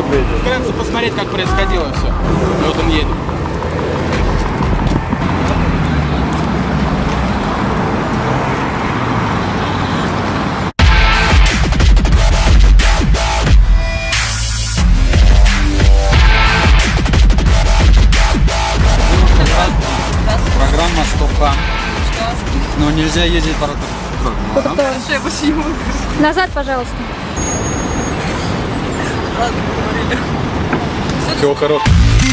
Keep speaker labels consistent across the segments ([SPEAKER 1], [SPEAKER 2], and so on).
[SPEAKER 1] Вкратце посмотреть, как происходило все. Вот он едет.
[SPEAKER 2] Программа «Стоп-хам». Но нельзя ездить по тротуару.
[SPEAKER 3] Назад, пожалуйста.
[SPEAKER 1] Всего хорошего.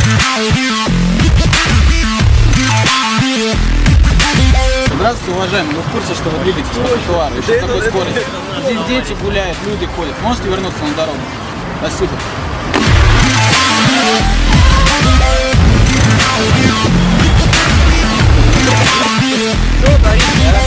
[SPEAKER 1] Здравствуйте, уважаемые. Вы в курсе, что вы двигаетесь по тротуару? Еще с такой скоростью. Здесь дети гуляют, люди ходят. Можете вернуться на дорогу? Спасибо. Что творите, а?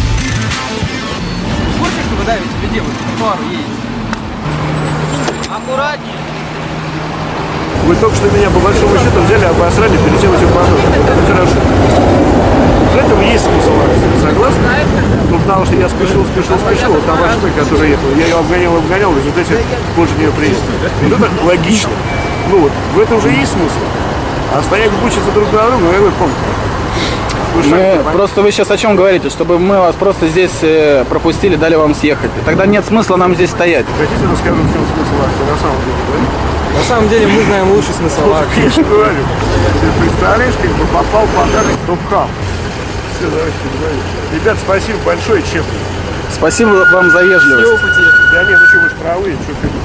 [SPEAKER 1] В курсе, что вы давите людей, вы по тротуару едете? Аккуратнее.
[SPEAKER 4] Вы только что меня по большому счету взяли, обосрали, переделали в поток. Это хорошо. В этом есть смысл, согласны? Ну, потому что я спешил, вот там машина, которая ехала, я ее обгонял, в результате позже нее приехал. Ну, это логично. Ну вот, в этом уже есть смысл. А стоять бучиться друг на друга, вы помните.
[SPEAKER 1] Просто вы сейчас о чем говорите? Чтобы мы вас просто здесь пропустили, дали вам съехать. Тогда нет смысла нам здесь стоять.
[SPEAKER 4] Хотите, расскажу, в чем смысл акции на самом деле, да?
[SPEAKER 5] На самом деле мы знаем лучший смысл акции.
[SPEAKER 4] Я же говорю. Ты представляешь, как бы попал подарок Стоп-хам. Все, давайте, ребят, спасибо большое, честно.
[SPEAKER 1] Спасибо вам за вежливость.
[SPEAKER 4] Да нет, ну что, вы же правы, что ты...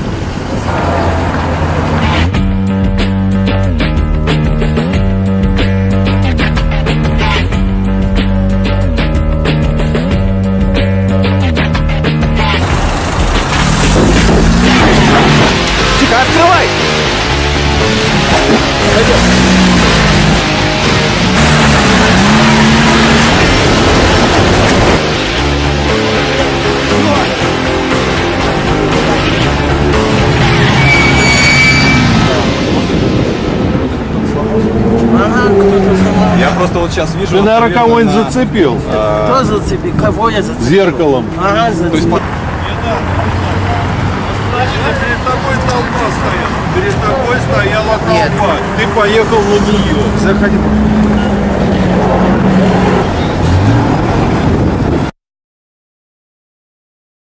[SPEAKER 1] Открывай!
[SPEAKER 5] Я просто вот сейчас вижу...
[SPEAKER 6] Ты, наверное, кого-нибудь зацепил.
[SPEAKER 7] Кто зацепил? Кого я зацепил?
[SPEAKER 6] Зеркалом.
[SPEAKER 7] Ага, зацепил.
[SPEAKER 6] Перед тобой толпа стояла. Перед тобой стояла толпа. Ты поехал на нее. Заходи.